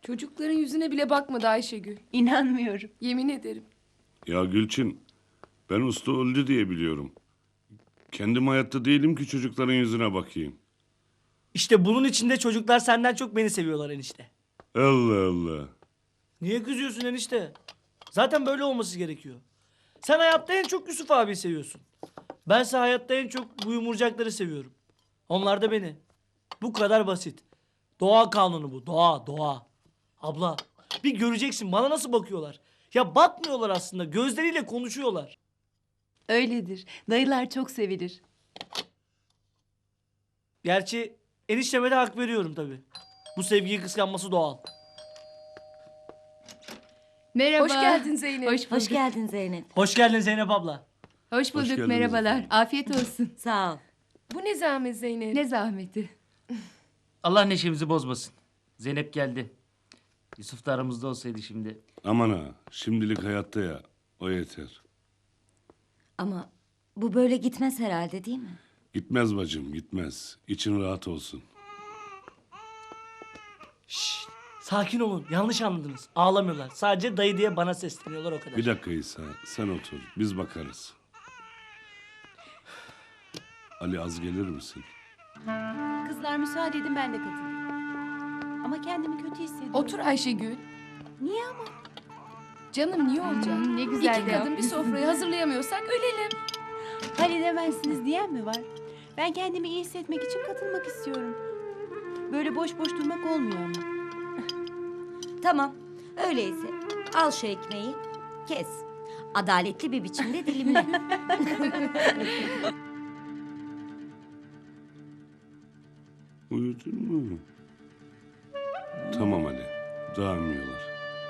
Çocukların yüzüne bile bakmadı Ayşegül. İnanmıyorum. Yemin ederim. Ya Gülçin, ben usta öldü diye biliyorum. Kendim hayatta değilim ki çocukların yüzüne bakayım. İşte bunun içinde çocuklar senden çok beni seviyorlar enişte. Allah Allah. Niye kızıyorsun enişte? Zaten böyle olması gerekiyor. Sen hayatta en çok Yusuf abiyi seviyorsun. Bense hayatta en çok bu yumurcakları seviyorum. Onlar da beni. Bu kadar basit. Doğa kanunu bu. Doğa. Abla bir göreceksin bana nasıl bakıyorlar. Ya bakmıyorlar aslında. Gözleriyle konuşuyorlar. Öyledir. Dayılar çok sevilir. Gerçi enişteme de hak veriyorum tabii. Bu sevgiyi kıskanması doğal. Merhaba. Hoş geldin Zeynep. Hoş bulduk. Hoş geldin Zeynep. Hoş geldin Zeynep abla. Hoş bulduk. geldiniz Merhabalar. efendim. Afiyet olsun. Sağ ol. Bu ne zahmet Zeynep? Ne zahmeti. Allah neşemizi bozmasın. Zeynep geldi. Yusuf da aramızda olsaydı şimdi. Aman ha, şimdilik hayatta ya. O yeter. Ama bu böyle gitmez herhalde değil mi? Gitmez bacım, gitmez. İçin rahat olsun. Şşt, sakin olun. Yanlış anladınız. Ağlamıyorlar. Sadece dayı diye bana sesleniyorlar o kadar. Bir dakika İsa, sen otur. Biz bakarız. Ali az gelir misin? Kızlar müsaade edin ben de katılayım. Ama kendimi kötü hissediyorum. Otur Ayşegül. Niye ama? Canım niye olacak? Ne güzel İki de kadın bir yapmışsın. sofrayı hazırlayamıyorsak ölelim. Halledemezsiniz diyen mi var? Ben kendimi iyi hissetmek için katılmak istiyorum. Böyle boş boş durmak olmuyor ama. Tamam. Öyleyse al şu ekmeği. Kes. Adaletli bir biçimde dilimle. Uyudun mu? Tamam Ali, dağılmıyorlar.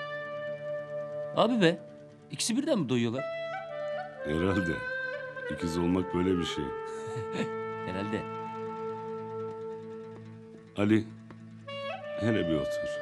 Abi be. İkisi birden mi doyuyorlar? Herhalde. İkiz olmak böyle bir şey. Herhalde. Ali, hele bir otur.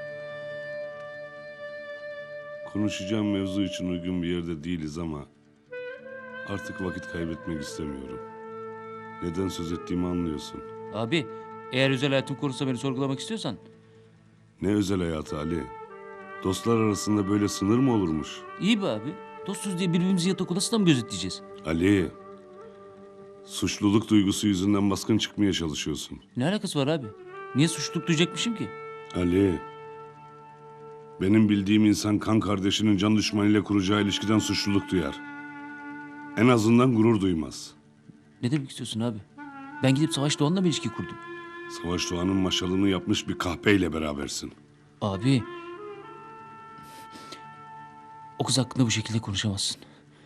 Konuşacağım mevzu için uygun bir yerde değiliz ama artık vakit kaybetmek istemiyorum. Neden söz ettiğimi anlıyorsun. Abi eğer özel hayatım konusunda beni sorgulamak istiyorsan. Ne özel hayatı Ali? Dostlar arasında böyle sınır mı olurmuş? İyi be abi. Dostuz diye birbirimizi yatak odasında mı gözetleyeceğiz? Ali, suçluluk duygusu yüzünden baskın çıkmaya çalışıyorsun. Ne alakası var abi? Niye suçluluk duyacakmışım ki? Ali, benim bildiğim insan kan kardeşinin can düşmanıyla kuracağı ilişkiden suçluluk duyar. En azından gurur duymaz. Ne demek istiyorsun abi? Ben gidip Savaş Doğan'la mı ilişki kurdum? Savaş Doğan'ın maşalını yapmış bir kahpeyle berabersin. Abi. O kız hakkında bu şekilde konuşamazsın.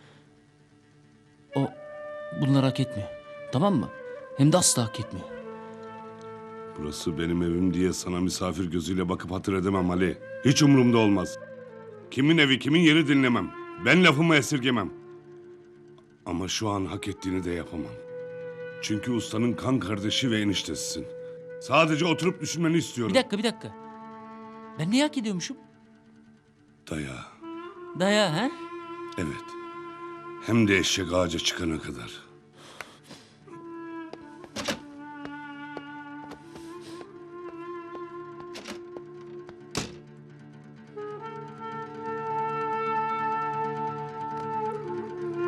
O bunları hak etmiyor. Tamam mı? Hem de asla hak etmiyor. Burası benim evim diye sana misafir gözüyle bakıp hatır edemem Ali. Hiç umurumda olmaz. Kimin evi kimin yeri dinlemem. Ben lafımı esirgemem. Ama şu an hak ettiğini de yapamam. Çünkü ustanın kan kardeşi ve eniştesisin. Sadece oturup düşünmeni istiyorum. Bir dakika. Ben ne hak ediyormuşum? Daya. Daya ha? Evet. Hem de eşek ağaca çıkana kadar.